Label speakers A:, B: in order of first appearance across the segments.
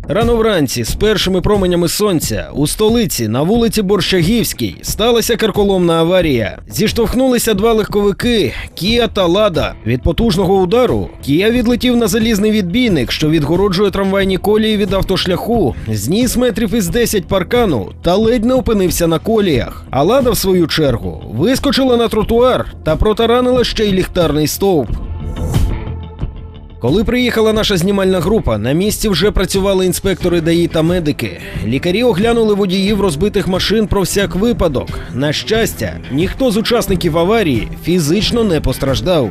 A: Рано вранці, з першими променями сонця, у столиці, на вулиці Борщагівській, сталася карколомна аварія. Зіштовхнулися два легковики – Кія та Лада. Від потужного удару Кія відлетів на залізний відбійник, що відгороджує трамвайні колії від автошляху, зніс метрів із 10 паркану та ледь не опинився на коліях. А Лада, в свою чергу, вискочила на тротуар та протаранила ще й ліхтарний стовп. Коли приїхала наша знімальна група, на місці вже працювали інспектори ДАІ та медики. Лікарі оглянули водіїв розбитих машин про всяк випадок. На щастя, ніхто з учасників аварії фізично не постраждав.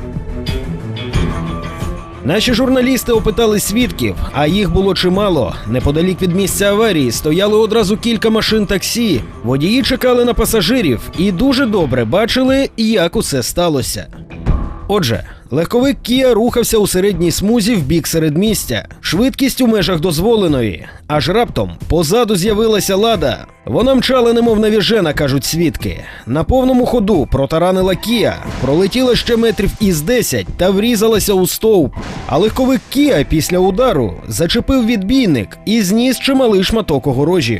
A: Наші журналісти опитали свідків, а їх було чимало. Неподалік від місця аварії стояли одразу кілька машин таксі. Водії чекали на пасажирів і дуже добре бачили, як усе сталося. Отже, легковик Кія рухався у середній смузі в бік середмістя. Швидкість у межах дозволеної. Аж раптом позаду з'явилася Лада. Вона мчала немов навіжена, кажуть свідки. На повному ходу протаранила Кія, пролетіла ще метрів із 10 та врізалася у стовп. А легковик Кія після удару зачепив відбійник і зніс чималий шматок огорожі.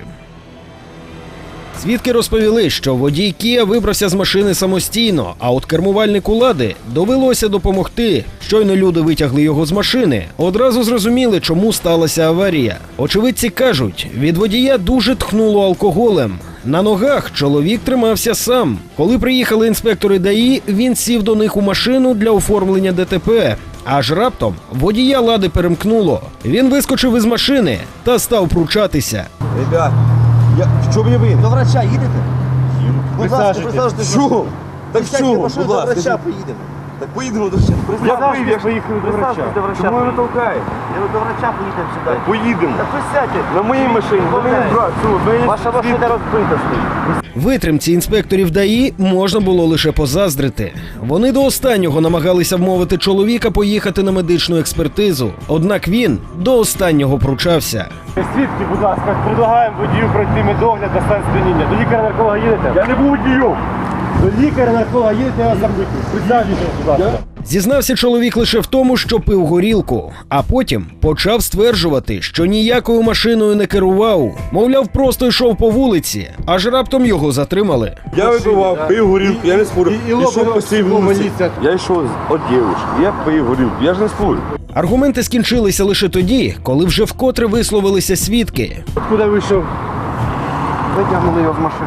A: Свідки розповіли, що водій Кія вибрався з машини самостійно, а от кермувальнику Лади довелося допомогти. Щойно люди витягли його з машини, одразу зрозуміли, чому сталася аварія. Очевидці кажуть, від водія дуже тхнуло алкоголем. На ногах чоловік тримався сам. Коли приїхали інспектори ДАІ, він сів до них у машину для оформлення ДТП. Аж раптом водія Лади перемкнуло. Він вискочив із машини та став пручатися.
B: Ребят, що мені ви?
C: До врача їдете? Будь ласка,
B: присаджуйтесь. Що? Так що, будь ласка.
C: До врача поїдемо.
B: Так поїдемо до врача.
C: Я поїхав до врача.
B: Чому ви толкаєте?
C: Я до врача поїдемо сюди.
B: Поїдемо.
C: Так ви сядьте.
B: На моїй машині,
C: Ваша машина розбита стоїть.
A: Витримці інспекторів ДАІ можна було лише позаздрити. Вони до останнього намагалися вмовити чоловіка поїхати на медичну експертизу. Однак він до останнього пручався.
D: Свідки, будь ласка, предлагаємо водію пройти медогляд на стан сп'яніння. До лікаря-нарколога їдете?
B: Я не був водієм.
D: До лікаря-нарколога їдете, я вас запитую. Присаджуйтесь, будь ласка.
A: Зізнався чоловік лише в тому, що пив горілку, а потім почав стверджувати, що ніякою машиною не керував. Мовляв, просто йшов по вулиці, аж раптом його затримали.
B: Я випивав, пив горілку, я не спорю. Ішов по цій вулиці. Я йшов від дівчинки, я пив горілку, я ж не спорю.
A: Аргументи скінчилися лише тоді, коли вже вкотре висловилися свідки.
D: Куди вийшов?
C: Витягнули його з машини.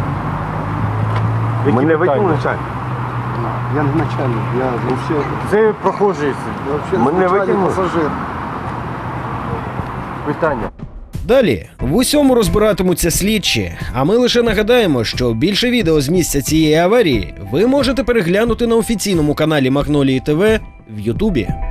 B: Мене викинули начальник.
C: Я не начальник, я взагалі...
D: Це прохожий.
B: Мене викинули.
C: Пасажир.
D: Питання.
A: Далі в усьому розбиратимуться слідчі, а ми лише нагадаємо, що більше відео з місця цієї аварії ви можете переглянути на офіційному каналі Магнолії ТВ в Ютубі.